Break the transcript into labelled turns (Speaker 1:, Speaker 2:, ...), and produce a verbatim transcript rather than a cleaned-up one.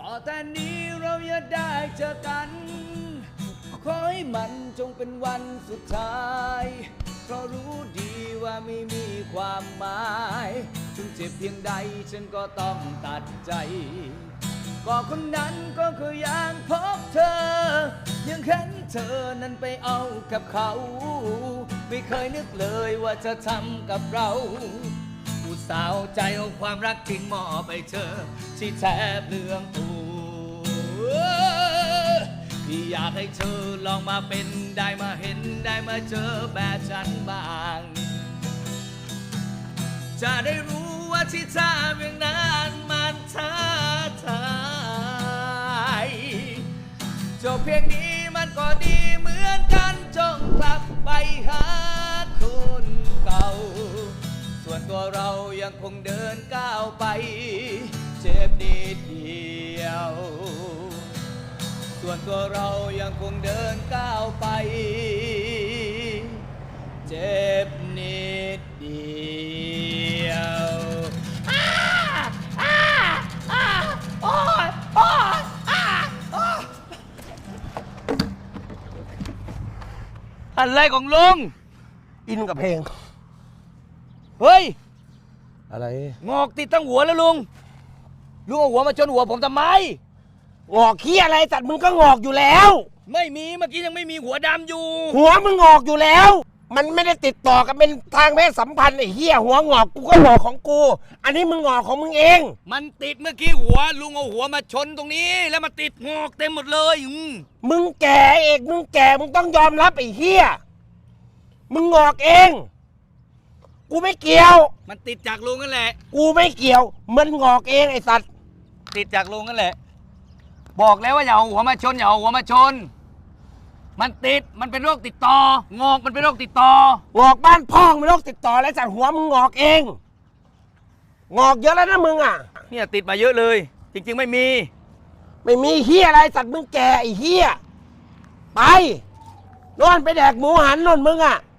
Speaker 1: ต่อแต่นี้เราอย่าได้เจอกันขอให้มันจงเป็นวันสุดท้ายเพราะรู้ดีว่าไม่มีความหมายถึงเจ็บเพียงใดฉันก็ต้องตัดใจก็คนนั้นก็คือยังพบเธอยังเห็นเธอนั้นไปเอากับเขาไม่เคยนึกเลยว่าจะทำกับเราอุตส่าห์ใจเอาความรักจริงมอบไปเธอที่แทบเรื่องตัวพี่อยากให้เธอลองมาเป็นได้มาเห็นได้มาเจอแบบฉันบ้างจะได้รู้ว่าที่ทำอย่างนั้นมันท้าทายจบเพียงนี้มันก็ดีเหมือนกันจงกลับไปหาคนเก่าส่วนตัวเรายังคงเดินก้าวไปเจ็บนิดเดียวส่วนตัวเรายังคงเดินก้าวไปเจ็บนิดเดียวอ้าอ้าอ้าโอ๊ยโอ๊ยอ้าโอ๊ยอะไรของลุง
Speaker 2: อินกับเพลง
Speaker 1: เฮ้ย
Speaker 2: อะไร
Speaker 1: งอกติดทั้งหัวแล้วลุงลุงเอาหัวมาชนหัวผมทำไม
Speaker 2: งอกขี้อะไรสัตว์มึงก็งอกอยู่แล้ว
Speaker 1: ไม่มีเมื่อกี้ยังไม่มีหัวดำอยู่
Speaker 2: หัวมึงงอกอยู่แล้วมันไม่ได้ติดต่อกันเป็นทางเพศสัมพันธ์ไอ้เหี้ยหัวงอกกูก็งอกของกูอันนี้มึงงอกของมึงเอง
Speaker 1: มันติดเมื่อกี้หัวลุงเอาหัวมาชนตรงนี้แล้วมาติดงอกเต็มหมดเลย
Speaker 2: มึงแก่เอกมึงแก่มึงต้องยอมรับไอ้เหี้ยมึงงอกเองกูไม่เกี่ยว
Speaker 1: มันติดจากลุงนั่นแหละ
Speaker 2: กูไม่เกี่ยวมันงอกเองไอ้สัตว์
Speaker 1: ติดจากลุงนั่นแหละบอกแล้วว่าอย่าเอาหัวมาชนอย่าเอาหัวมาชนมันติดมันเป็นโรคติดต่องอกมันเป็นโรคติดต่อง
Speaker 2: อกบ้านพ่องเป็นโรคติดต่อแล้วจากหัวมึงงอกเองงอกเยอะแล้วนะมึงอ่ะ
Speaker 1: เนี่ยติดมาเยอะเลยจริงๆไม่มี
Speaker 2: ไม่มีเหี้ยอะไรสัตว์มึงแก่ไอ้เหี้ยไปนอนไปแดกหมูหันนนมึงอ่ะ